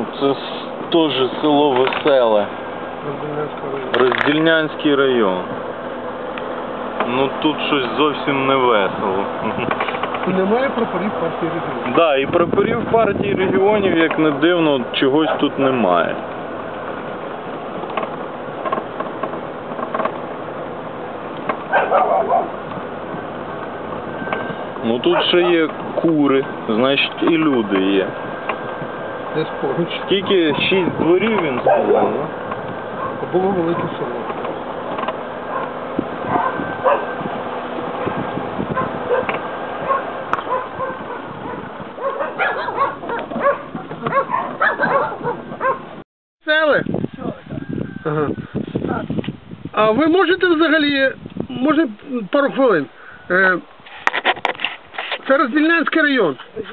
Це теж село Веселе. Роздільнянський район. Ну тут щось зовсім не весело. Немає прапорів партії регіонів. Так, да, і прапорів партії регіонів, як не дивно, чогось тут немає. Ну тут ще є кури, значить і люди є. Десь поруч. Скільки? 6 дворів він сказав, да? Було велике село. Сели? Ага. А ви можете взагалі, може пару хвилин? Це Роздільнянський район.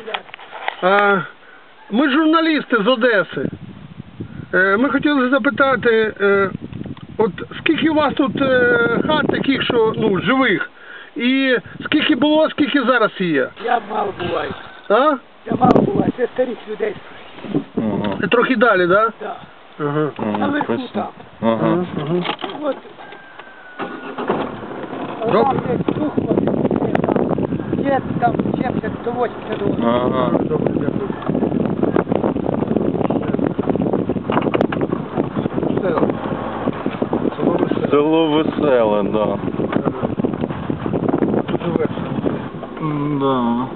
Ми журналісти з Одеси. Ми хотіли запитати, от скільки у вас тут хат таких, що, ну, живих? І скільки було, скільки зараз є? Я мало буваю. А? Я мало буваю. Це старих людей. Ага. Трохи далі, так? Так. Ага. Наверху там. Ага. От. Добре. Там десь дух є там 70 до 80 років. Ага. Добре, дякую. Село Веселе, да. Тут живе. Да.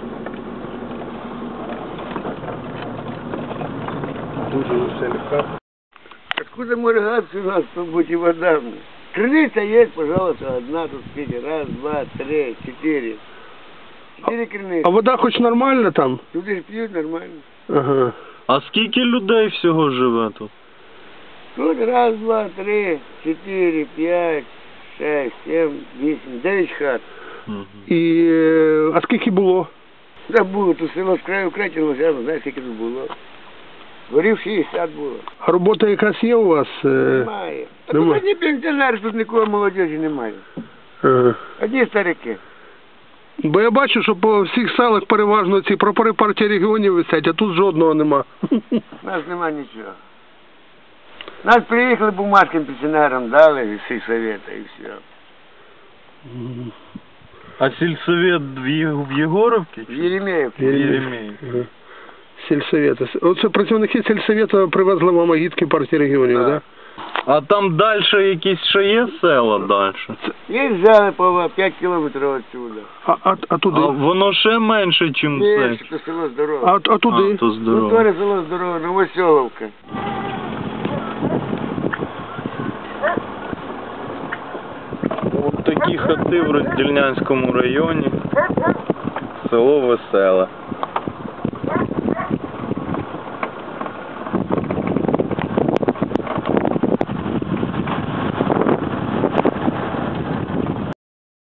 Дуже веселі хати. Откуда моргаться у нас тут быть и вода? Крыница есть, пожалуйста, одна тут сколько? Раз, два, три, четыре. Четыре крыницы. А вода хоч нормальна там? Тут и пьют нормально. Ага. А скільки людей всього живе тут? Тут раз, два, три, четыре, пять, шесть, семь, восемь, 9 хат. І, а скільки було? Да було, тут село з краю вкратилося, я не знаю, скільки тут було. Горів 60 було. А робота якась є у вас? Немає. А тут Немає. одні пенсіонери, тут нікого молодежі немає. Ага. Одні старики. Бо я бачу, що по всіх селах переважно ці прапори партії регіонів висять, а тут жодного нема. У нас нема нічого. Нас приїхали бумажкам пенсіонерам, дали від сільсовета і все. А сільсовет в Єгоровці? В Єремеївці. Єремеївці. Ага. Сільсовета. Оце працівники сільсовета привезли вам агітки партії регіонів, так? Да. А там далі якісь ще є села далі? Їх взяли по 5 кілометрів відсюди. А туди? А воно ще менше, ніж це. Більше, то село здорове. А туди? А, то Ну, здорово. теж село здорове, Новоселовка. Ось такі хати в Роздільнянському районі. Село Веселе.